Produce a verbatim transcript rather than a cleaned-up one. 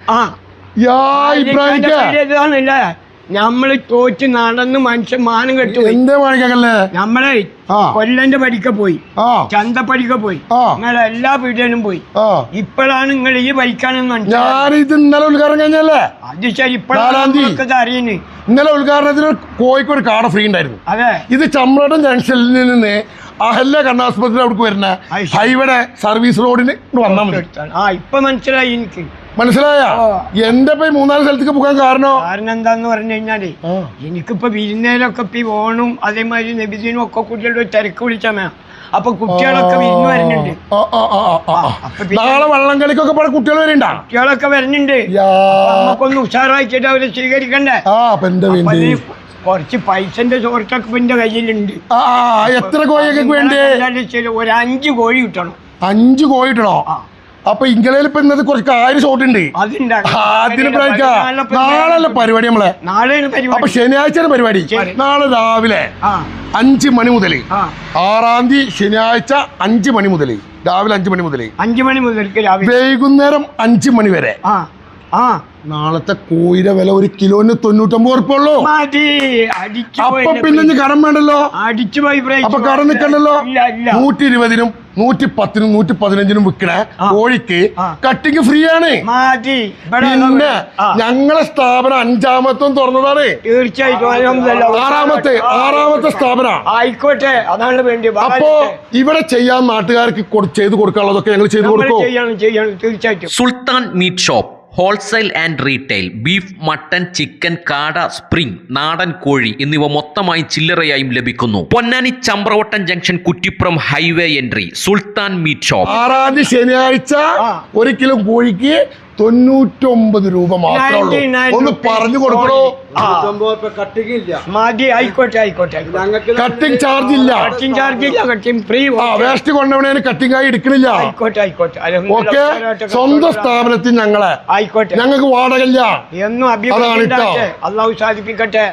ആ ഇതാണല്ലേ നമ്മള് തോറ്റ് നടന്ന് മനുഷ്യൻ മാനം കെട്ടു. നമ്മളെ കൊല്ലന്റെ പടിക്ക പോയി, ചന്തപ്പടിക്ക പോയി, നിങ്ങളെ എല്ലാ പീഡിയനും പോയി. ഇപ്പോഴാണ് നിങ്ങൾ ഈ ഭരിക്കാനെന്ന് മനസ്സിലായി. അത് ശരി, ഇപ്പോഴാണ് അറിയുന്നത്. ഇന്നലെ ഉദ്ഘാടനത്തിന് കോഴിക്കോട് കാട ഫ്രീ ഉണ്ടായിരുന്നു. അതെ, ഇത് ചമ്രടം ജംഗ്ഷനിൽ നിന്ന് അഹല്യ കണ്ണാസ്പത്രി അവിടേക്ക് വരുന്ന ഹൈവേയുടെ സർവീസ് റോഡിന് വന്നാൽ മതി. ആ ഇപ്പൊ മനസ്സിലായി എനിക്ക്. മനസ്സിലായ എന്റെ പോയി മൂന്നാല് സ്ഥലത്തേക്ക് പോകാൻ കാരണം കാരണം എന്താന്ന് പറഞ്ഞു കഴിഞ്ഞാല് എനിക്കിപ്പോ വിരുന്നേലൊക്കെ ഇപ്പൊ ഓണും അതേമാതിരി നബിദിനും ഒക്കെ കുട്ടികളുടെ തിരക്ക് വിളിച്ചാൽ അപ്പൊ കുട്ടികളൊക്കെ വിരുന്ന് വരുന്നുണ്ട്. നാളെ വള്ളം കളിക്കൊക്കെ കുട്ടികൾ വരുന്നുണ്ട്. കുട്ടികളൊക്കെ വരുന്നുണ്ട്. നമുക്കൊന്ന് ഉഷാറാക്കിയിട്ട് അവരെ സ്വീകരിക്കണ്ടേ? കുറച്ച് പൈസന്റെ ചോർച്ചൊക്കെ എന്റെ കയ്യിലുണ്ട്. എത്ര കോഴിയൊക്കെ വേണ്ടേ? ഒരു അഞ്ച് കോഴി കിട്ടണം. അഞ്ച് കോഴി കിട്ടണോ? അപ്പൊ ഇംഗ്ലയിൽ ഇപ്പൊ ഇന്നത്തെ കുറച്ച് കാര്യം ഷോട്ടുണ്ട്. അതിന് നാളെ പരിപാടി നമ്മളെ. അപ്പൊ ശനിയാഴ്ചയാണ് പരിപാടി. നാളെ രാവിലെ അഞ്ച് മണി മുതൽ ആറാം തീയതി ശനിയാഴ്ച അഞ്ച് മണി മുതൽ രാവിലെ അഞ്ച് മണി മുതൽ അഞ്ച് മണി മുതൽ വൈകുന്നേരം അഞ്ച് മണി വരെ. നാളത്തെ കോഴിയുടെ വില ഒരു കിലോന് തൊണ്ണൂറ്റൊമ്പത് ഉറുപ്പുള്ളൂ. അപ്പൊ പിന്നെ കടം വേണ്ടല്ലോ, അപ്പൊ കടം നിൽക്കണ്ടല്ലോ. നൂറ്റി ഇരുപതിനും നൂറ്റി പത്തിനും നൂറ്റി പതിനഞ്ചിനും വിൽക്കണ കോഴിക്ക് കട്ടിങ് ഫ്രീ ആണ്. പിന്നെ ഞങ്ങളെ സ്ഥാപനം അഞ്ചാമത്തും തുറന്നതാണ്. തീർച്ചയായിട്ടും ആറാമത്തെ ആറാമത്തെ സ്ഥാപന ആയിക്കോട്ടെ. അതാണ് വേണ്ടി. അപ്പോ ഇവിടെ ചെയ്യാൻ നാട്ടുകാർക്ക് ചെയ്ത് കൊടുക്കാനുള്ളതൊക്കെ ഞങ്ങൾ ചെയ്തു കൊടുക്കും. തീർച്ചയായിട്ടും. Sultan meat shop wholesale and retail. Beef, mutton, chicken, കാട, സ്പ്രിംഗ്, നാടൻ കോഴി എന്നിവ മൊത്തമായി ചില്ലറയായും ലഭിക്കുന്നു. Ponnani Chamravattam junction, Kuttippuram highway entry, Sultan meat shop. ആറാം തീയതി ശനിയാഴ്ച ഒരു കിലോ കോഴിക്ക് തൊണ്ണൂറ്റൊമ്പത് രൂപ മാത്രമേ ഉള്ളൂ. ഒന്ന് പറഞ്ഞു കൊടുക്കണോ? ആയിക്കോട്ടെ ആയിക്കോട്ടെ. കട്ടിംഗ് ചാർജ് ഇല്ല. കട്ടിംഗ് ചാർജ് ഇല്ല. Cutting free. വേസ്റ്റ് കൊണ്ടവണേന് കട്ടിംഗ് ആയി എടുക്കണില്ല. ആയിക്കോട്ടെ ആയിക്കോട്ടെ. ഓക്കെ. സ്വന്തം സ്ഥാപനത്തിൽ ഞങ്ങളെ ആയിക്കോട്ടെ. ഞങ്ങൾക്ക് വാടകയില്ല. എന്നും അഭിപ്രായം അള്ളാഹു സാധിപ്പിക്കട്ടെ.